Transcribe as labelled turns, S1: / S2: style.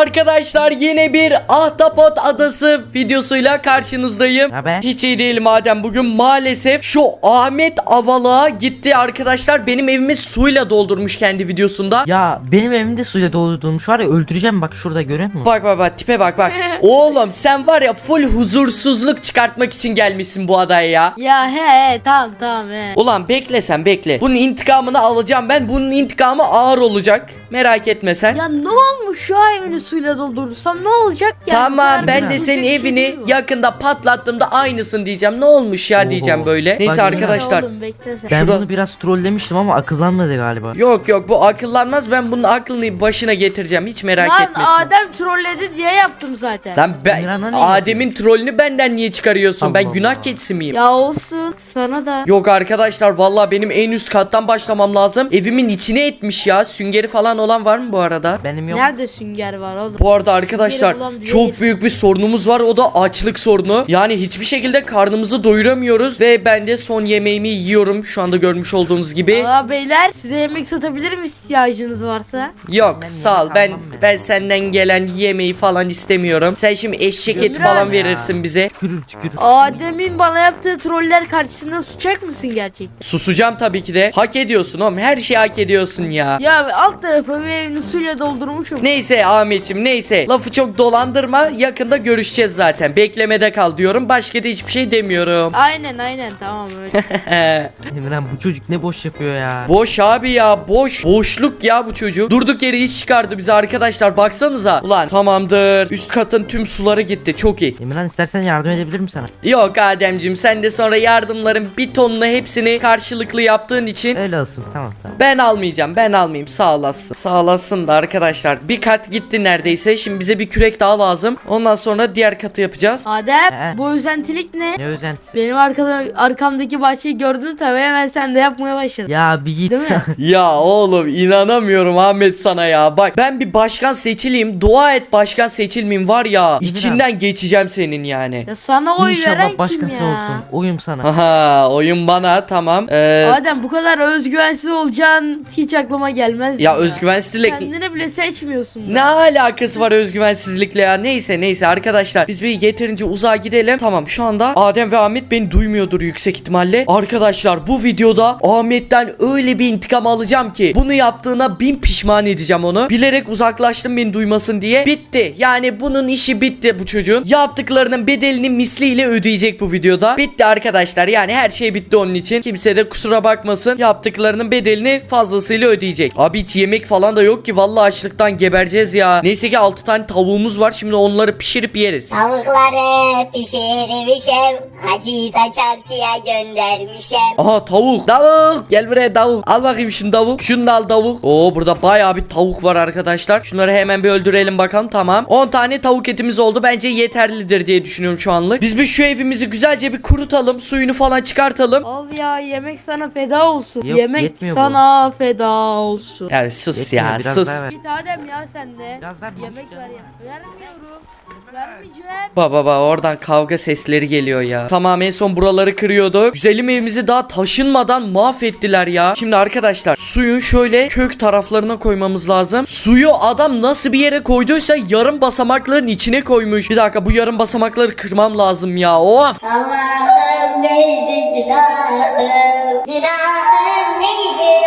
S1: Arkadaşlar yine bir Ahtapot Adası videosuyla karşınızdayım.
S2: Haber?
S1: Hiç iyi değilim Adem. Bugün maalesef şu Ahmet Avalığa gitti arkadaşlar. Benim evimi suyla doldurmuş kendi videosunda.
S2: Ya benim evimde suyla doldurmuş var ya, öldüreceğim bak şurada, görüyor musun?
S1: Bak tipe bak. Oğlum sen var ya full huzursuzluk çıkartmak için gelmişsin bu adaya ya.
S3: Ya he tamam he.
S1: Ulan bekle sen bekle. Bunun intikamını alacağım ben. Bunun intikamı ağır olacak. Merak etme sen.
S3: Ya ne olmuş şu evini suyla doldurursam ne olacak ya?
S1: Tamam ben de
S2: Yapacak
S1: senin
S3: bir şey
S1: evini
S3: değil mi?
S1: yakında patlattığımda aynısın diyeceğim. Ne olmuş ya
S2: Oho.
S1: diyeceğim böyle. Neyse
S2: Bak,
S1: arkadaşlar.
S3: Oğlum bekle sen.
S2: Ben
S1: Şurada-
S2: bunu biraz trollemiştim ama akıllanmadı galiba.
S1: Yok bu akıllanmaz. Ben bunun aklını başına getireceğim. Hiç merak
S3: Lan
S1: etmesin.
S3: Adem trolledi diye yaptım zaten.
S1: Lan ben
S2: Emirhan'a ne
S1: Adem'in trollünü benden niye çıkarıyorsun? Ben
S2: Allah
S1: günah
S2: Allah.
S1: keçisi miyim?
S3: Ya olsun sana da.
S1: Yok arkadaşlar vallahi benim en üst kattan başlamam lazım. Evimin içine etmiş ya. Süngeri falan olan var mı bu arada?
S2: Benim yok.
S3: Nerede sünger var oğlum?
S1: Bu arada arkadaşlar
S3: Süngeri bulan bir
S1: çok
S3: yer.
S1: büyük bir sorunumuz var, o da açlık sorunu. Yani hiçbir şekilde karnımızı doyuramıyoruz ve ben de son yemeğimi yiyorum şu anda görmüş olduğunuz gibi.
S3: Aa beyler size yemek satabilirim ihtiyacınız varsa.
S1: Yok
S2: Ben
S1: sağ ol,
S2: yemek
S1: ben
S2: almam
S1: ben senden gelen yemeği falan istemiyorum. Sen şimdi eşek eti
S3: Gömüren
S1: falan
S2: ya.
S1: verirsin bize.
S2: Tükürür.
S3: Adem'in bana yaptığı troller karşısında susacak mısın gerçekten?
S1: Susacağım tabii ki de. Hak ediyorsun oğlum, her şeyi hak ediyorsun ya.
S3: Ya alt tarafı bir evini suyla doldurmuşum.
S1: Neyse Ahmetciğim neyse. Lafı çok dolandırma. Yakında görüşeceğiz zaten. Beklemede kal diyorum. Başka da hiçbir şey demiyorum.
S3: Aynen tamam öyle.
S2: Emirhan, bu çocuk ne boş yapıyor ya.
S1: Boş abi ya, boş. Boşluk ya bu çocuk. Durduk yere iş çıkardı bize arkadaşlar. Baksanıza. Ulan tamamdır. Üst katın tüm suları gitti. Çok iyi.
S2: Emirhan, istersen yardım edebilirim sana.
S1: Yok Ademciğim, sen de sonra yardımların bir tonunu hepsini karşılıklı yaptığın için
S2: Öyle olsun, tamam.
S1: ben almayacağım. Ben almayayım. Sağ olasın. Sağ olasın da arkadaşlar. Bir kat gitti neredeyse. Şimdi bize bir kürek daha lazım. Ondan sonra diğer katı yapacağız.
S3: Adem
S2: He.
S3: bu özentilik ne?
S2: Ne özentisi?
S3: Benim arkamdaki bahçeyi gördün tabii hemen sen de yapmaya başladın.
S2: Ya bir git.
S3: Değil mi?
S1: Ya oğlum inanamıyorum Ahmet sana ya. Bak ben bir başkan seçileyim. Dua et başkan seçilmeyeyim var ya. İçinden geçeceğim senin yani.
S3: Ya sana oy veren
S2: İnşallah
S3: kim
S2: başkası
S3: ya?
S2: olsun. Oyum sana.
S1: Aha oyun bana tamam.
S3: Adem bu kadar özgüvensiz olacağın hiç aklıma gelmez.
S1: Ya özgüvensizlik
S3: Kendini bile seçmiyorsun.
S1: ne alakası var özgüvensizlikle ya? Neyse arkadaşlar biz bir yeterince uzağa gidelim. Tamam şu anda Adem ve Ahmet beni duymuyordur yüksek ihtimalle. Arkadaşlar bu videoda Ahmet'ten öyle bir intikam alacağım ki bunu yaptığına bin pişman edeceğim onu. Bilerek uzaklaştım beni duymasın diye. Bitti. Yani bunun işi bitti bu çocuğun. Yaptıklarının bedelini misliyle ödeyecek bu videoda. Bitti arkadaşlar. Yani her şey bitti onun için. Kimse de kusura bakmasın. Yaptıklarının bedelini fazlasıyla ödeyecek. Abi hiç yemek falan da yok ki. Vallahi açlıktan gebereceğiz ya. Neyse ki 6 tane tavuğumuz var. Şimdi onları pişirip yeriz.
S4: Tavukları pişirmişim, hacıyı da çarşıya göndermişim.
S1: Aha tavuk. Tavuk. Gel buraya tavuk. Al bakayım şunu tavuk. Şunu da al tavuk. Oo burada bayağı bir tavuk var arkadaşlar. Şunları hemen bir öldürelim bakalım. Tamam. 10 tane tavuk etimiz oldu. Bence yeterlidir diye düşünüyorum şu anlık. Biz bir şu evimizi güzelce bir kurutalım. Suyunu falan çıkartalım.
S3: Al ya yemek sana feda olsun.
S2: Yok,
S3: yemek
S2: yetmiyor
S3: sana feda olsun.
S1: Ya sus
S2: Yetmiyor,
S1: ya
S2: biraz
S1: sus.
S2: daha ver.
S3: Git Adem ya sen de.
S2: Biraz daha
S3: Yemek
S2: büyüteceğim.
S3: ver ya. Vermiyorum. Vermeyeceğim.
S1: Baba oradan kavga sesleri geliyor ya. Tamam en son buraları kırıyorduk. Güzelim evimizi daha taşınmadan mahvettiler ya. Şimdi arkadaşlar suyun şöyle kök taraflarına koymamız lazım. Suyu adam nasıl bir yere koyduysa yarım basamakların içine koymuş. Bir dakika bu yarım basamakları kırmam lazım ya. Of.
S4: Allah'ım neydi günahım, günahım neydi?